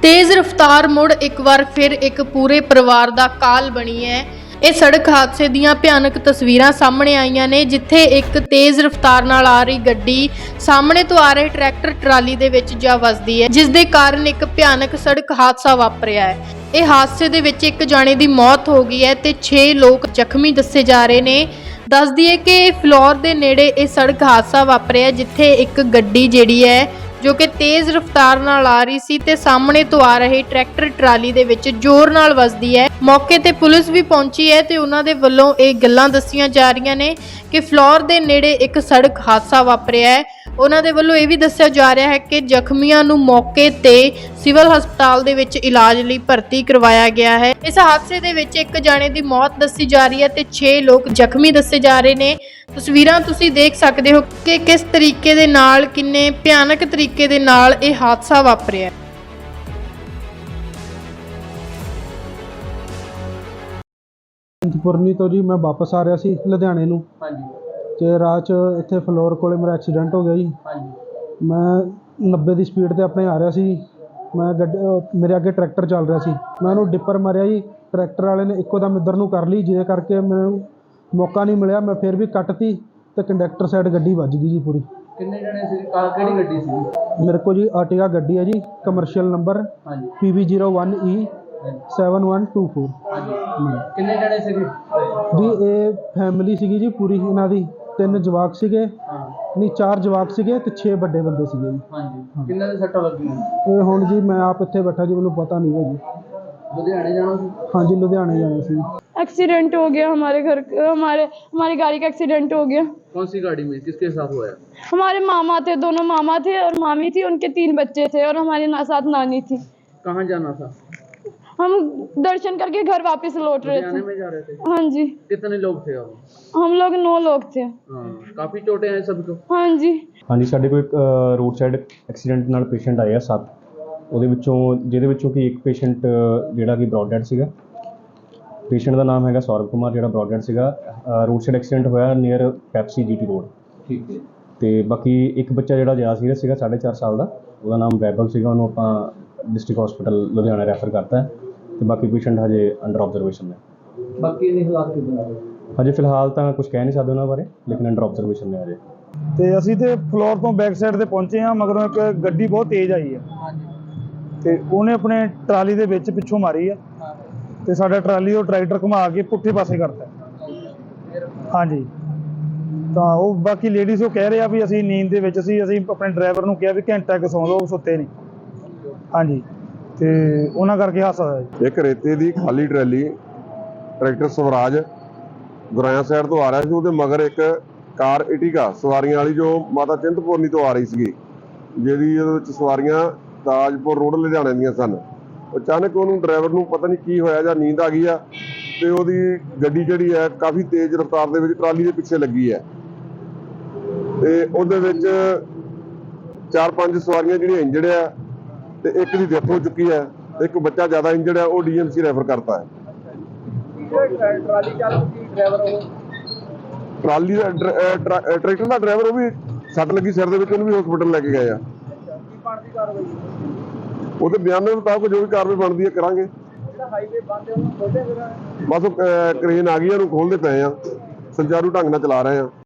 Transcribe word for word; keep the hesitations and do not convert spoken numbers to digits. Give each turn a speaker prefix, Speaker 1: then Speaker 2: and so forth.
Speaker 1: तेज रफ्तार मुड़ एक बार फिर एक पूरे परिवार का काल बनी है। ਇਹ सड़क हादसे ਦੀਆਂ ਭਿਆਨਕ ਤਸਵੀਰਾਂ ਸਾਹਮਣੇ ਆਈਆਂ ਨੇ, ਜਿੱਥੇ ਇੱਕ ਤੇਜ਼ ਰਫ਼ਤਾਰ ਨਾਲ ਆ ਰਹੀ ਗੱਡੀ ਸਾਹਮਣੇ ਤੋਂ ਆ ਰਹੇ ਟਰੈਕਟਰ ਟਰਾਲੀ ਦੇ ਵਿੱਚ ਜਾ ਵੱਜਦੀ ਹੈ, ਜਿਸ ਦੇ ਕਾਰਨ ਇੱਕ ਭਿਆਨਕ ਸੜਕ ਹਾਦਸਾ ਵਾਪਰਿਆ ਹੈ। ਇਹ ਹਾਦਸੇ ਦੇ ਵਿੱਚ ਇੱਕ ਜਾਣੇ ਦੀ ਮੌਤ ਹੋ ਗਈ ਹੈ ਤੇ ਛੇ ਲੋਕ ਜ਼ਖਮੀ ਦੱਸੇ ਜਾ ਰਹੇ ਨੇ। ਦੱਸ ਦਈਏ ਕਿ ਫਲੋਰ ਦੇ ਨੇੜੇ ਇਹ ਸੜਕ ਹਾਦਸਾ ਵਾਪਰਿਆ, ਜਿੱਥੇ ਇੱਕ ਗੱਡੀ ਜਿਹੜੀ ਹੈ जो कि तेज रफ्तार नाल आ रही सी ते सामने तो आ रहे ट्रैक्टर ट्राली दे विच जोर नाल वजदी है। मौके ते पुलिस भी पहुंची है ते उन्हां दे वल्लों ये गल्लां दस्सियां जा रहीआं ने कि फ्लोर दे नेड़े एक सड़क हादसा वापरिया है। उन्हां दे वल्लों ये भी दस्सिया जा रहा है कि जख्मियां नूं मौके ते सिविल हस्पताल दे विच इलाज लई भर्ती करवाया गया है। इस हादसे दे विच एक जाने दी मौत दस्सी जा रही है ते छे लोग जख्मी दस्से जा रहे ने। तस्वीरां तुसीं देख सकदे हो कि किस तरीके दे नाल किन्ने भयानक तरीके दे नाल ये हादसा वापरिया।
Speaker 2: पुरनी तो जी मैं वापस आ रहा सी लुधियाने नूं ते राह च इत्थे फ्लोर कोले मेरा एक्सीडेंट हो गया जी। मैं नब्बे की स्पीड ते अपने आ रहा सी। मैं गड्डी मेरे अगे ट्रैक्टर चल रहा सी, मैं उन्होंने डिपर मारिया जी। ट्रैक्टर वाले ने इक्को दम इधर नूं कर ली, जिहदे करके मैनूं मौका नहीं मिलिया। मैं फिर भी कटती तो कंडक्टर साइड गड्डी वज गई जी पूरी।
Speaker 3: कितने जने सी? किहड़ी गड्डी सी?
Speaker 2: मेरे को जी आर्टिगा गड्डी है जी, commercial number P V zero one E seven one two four.
Speaker 3: कितने जने सी
Speaker 2: जी? ये फैमिली सी जी पूरी, इन्हां दी तीन जवाक सीगे, नहीं चार जवाक सीगे ते छे बड़े बंदे सीगे जी।
Speaker 3: हाँ, किन्ने दे सट्टां लगियां?
Speaker 2: ये हुण जी मैं आप इत्थे बैठा जी, मैनूं पता नहीं है जी।
Speaker 3: लुधियाने जाना सी?
Speaker 2: हाँ जी, लुधियाने जाना सी।
Speaker 4: एक्सीडेंट हो गया हमारे घर, हमारे हमारी गाड़ी का एक्सीडेंट हो गया।
Speaker 3: कौन सी गाड़ी में, किसके साथ हुआ?
Speaker 4: हमारे मामा थे, दोनों मामा थे और मामी थी, उनके तीन बच्चे थे और हमारे ना, साथ नानी थी।
Speaker 3: कहाँ जाना था?
Speaker 4: हम दर्शन करके घर वापस लौट रहे थे।
Speaker 3: में जा रहे थे?
Speaker 4: हाँ जी।
Speaker 3: कितने लोग थे आप?
Speaker 4: हम लोग नौ लोग थे।
Speaker 3: हाँ, काफी चोटें हैं सबको?
Speaker 4: हाँ जी।
Speaker 5: हाँ जी, साढ़े को एक रोड साइड एक्सीडेंट नाल पेशेंट आए आ सत्त, ਉਹਦੇ ਵਿੱਚੋਂ ਜਿਹਦੇ ਵਿੱਚੋਂ ਕਿ ਇੱਕ ਪੇਸ਼ੈਂਟ ਜਿਹੜਾ ਕਿ ਬ੍ਰੌਡ ਡੈਡ ਸੀਗਾ। ਪੇਸ਼ੈਂਟ ਦਾ ਨਾਮ ਹੈਗਾ ਸੌਰਵ ਕੁਮਾਰ, ਜਿਹੜਾ ਬ੍ਰੌਡ ਡੈਡ ਸੀਗਾ। ਰੋਡ ਸਾਈਡ ਐਕਸੀਡੈਂਟ ਹੋਇਆ ਨੀਅਰ ਪੈਪਸੀ ਜੀਟੀ ਰੋਡ।
Speaker 3: ठीक है।
Speaker 5: ਤੇ ਬਾਕੀ ਇੱਕ ਬੱਚਾ ਜਿਹੜਾ ਜ਼ਿਆਦਾ ਸੀਰੀਅਸ ਸੀਗਾ, ਸਾਢੇ ਚਾਰ ਸਾਲ ਦਾ, ਉਹਦਾ ਨਾਮ ਵੈਭਵ ਸੀਗਾ। ਉਹਨੂੰ ਆਪਾਂ ਡਿਸਟ੍ਰਿਕਟ ਹਸਪੀਟਲ ਲੁਧਿਆਣਾ ਰੈਫਰ ਕਰਤਾ ਹੈ ਤੇ ਬਾਕੀ ਪੇਸ਼ੈਂਟ ਹਜੇ ਅੰਡਰ ਆਬਜ਼ਰਵੇਸ਼ਨ ਨੇ।
Speaker 3: बाकी नहीं हालात कितना?
Speaker 5: ਹਜੇ ਫਿਲਹਾਲ ਤਾਂ ਕੁਝ ਕਹਿ ਨਹੀਂ ਸਕਦੇ ਉਹਨਾਂ ਬਾਰੇ, ਲੇਕਿਨ ਅੰਡਰ ਆਬਜ਼ਰਵੇਸ਼ਨ ਨੇ ਹਜੇ।
Speaker 2: ਤੇ ਅਸੀਂ ਤੇ ਫਲੋਰ ਤੋਂ ਬੈਕ ਸਾਈਡ ਤੇ ਪਹੁੰਚੇ ਹਾਂ, ਮਗਰੋਂ ਇੱਕ ਗੱਡੀ ਬਹੁਤ ਤੇਜ਼ ਆਈ ਹੈ ਤੇ ਉਹਨੇ ਆਪਣੇ ਟਰਾਲੀ ਦੇ ਵਿੱਚ ਪਿੱਛੋਂ ਮਾਰੀ ਆ ਤੇ ਸਾਡਾ ਟਰਾਲੀ ਉਹ ਟਰੈਕਟਰ ਘੁਮਾ ਕੇ ਪੁੱਠੇ ਪਾਸੇ ਕਰਤਾ। ਹਾਂਜੀ, ਤਾਂ ਉਹ ਬਾਕੀ ਲੇਡੀਜ਼ ਉਹ ਕਹਿ ਰਹੇ ਆ ਵੀ ਅਸੀਂ ਨੀਂਦ ਦੇ ਵਿੱਚ ਸੀ। ਅਸੀਂ ਆਪਣੇ ਡਰਾਈਵਰ ਨੂੰ ਕਿਹਾ ਵੀ ਘੰਟਾ ਕੁ ਸੌਂ ਲਓ, ਸੁੱਤੇ ਨਹੀਂ। ਹਾਂਜੀ, ਤੇ ਉਹਨਾਂ ਕਰਕੇ ਹਾਦਸਾ ਹੋਇਆ ਜੀ।
Speaker 6: ਇੱਕ ਰੇਤੇ ਦੀ ਖਾਲੀ trolley tractor Swaraj Guraya side ਤੋਂ ਆ ਰਿਹਾ ਸੀ, ਉਹਦੇ ਮਗਰ ਇੱਕ ਕਾਰ ਇਟੀਗਾ ਸਵਾਰੀਆਂ ਵਾਲੀ ਜੋ ਮਾਤਾ ਚਿੰਤਪੁਰਨੀ ਤੋਂ ਆ ਰਹੀ ਸੀਗੀ, ਜਿਹਦੀ ਉਹਦੇ ਵਿੱਚ ਸਵਾਰੀਆਂ ਤਾਜਪੁਰ ਰੋਡ ਲੁਧਿਆਣੇ ਦੀਆਂ ਸਨ। ਅਚਾਨਕ ਉਹਨੂੰ ਡਰਾਈਵਰ ਨੂੰ ਪਤਾ ਨਹੀਂ ਕੀ ਹੋਇਆ ਜਾਂ ਨੀਂਦ ਆ ਗਈ ਆ ਤੇ ਉਹਦੀ ਗੱਡੀ ਜਿਹੜੀ ਹੈ ਕਾਫੀ ਤੇਜ਼ ਰਫ਼ਤਾਰ ਦੇ ਵਿੱਚ ਟਰਾਲੀ ਦੇ ਪਿੱਛੇ ਲੱਗੀ ਹੈ ਤੇ ਉਹਦੇ ਵਿੱਚ ਚਾਰ ਪੰਜ ਸਵਾਰੀਆਂ ਜਿਹੜੀਆਂ ਇੰਜਰਡ ਆ ਤੇ ਇੱਕ ਦੀ ਡੈਥ ਹੋ ਚੁੱਕੀ ਹੈ। ਇੱਕ ਬੱਚਾ ਜ਼ਿਆਦਾ ਇੰਜਰਡ ਹੈ, ਉਹ ਡੀ ਐਮ ਸੀ ਰੈਫਰ ਕਰਤਾ ਹੈ।
Speaker 3: ट्राली चालक की ड्राइवर हो?
Speaker 6: ਟਰਾਲੀ ਦਾ ਟਰੈਕਟਰ ਦਾ ਡਰਾਈਵਰ, ਉਹ ਵੀ ਸੱਟ ਲੱਗੀ ਸਿਰ ਦੇ ਵਿੱਚ, ਉਹਨੂੰ ਵੀ ਹਸਪੀਟਲ ਲੈ ਕੇ ਗਏ ਆ। ਉਹਦੇ ਬਿਆਨ ਦੇ ਮੁਤਾਬਕ ਜੋ ਵੀ ਕਾਰਵਾਈ ਬਣਦੀ ਹੈ ਕਰਾਂਗੇ। ਬਸ ਉਹ ਕਰੇਨ ਆ ਗਈ, ਉਹਨੂੰ ਖੋਲਦੇ ਪਏ ਆ, ਸੁਚਾਰੂ ਢੰਗ ਨਾਲ ਚਲਾ ਰਹੇ ਆ।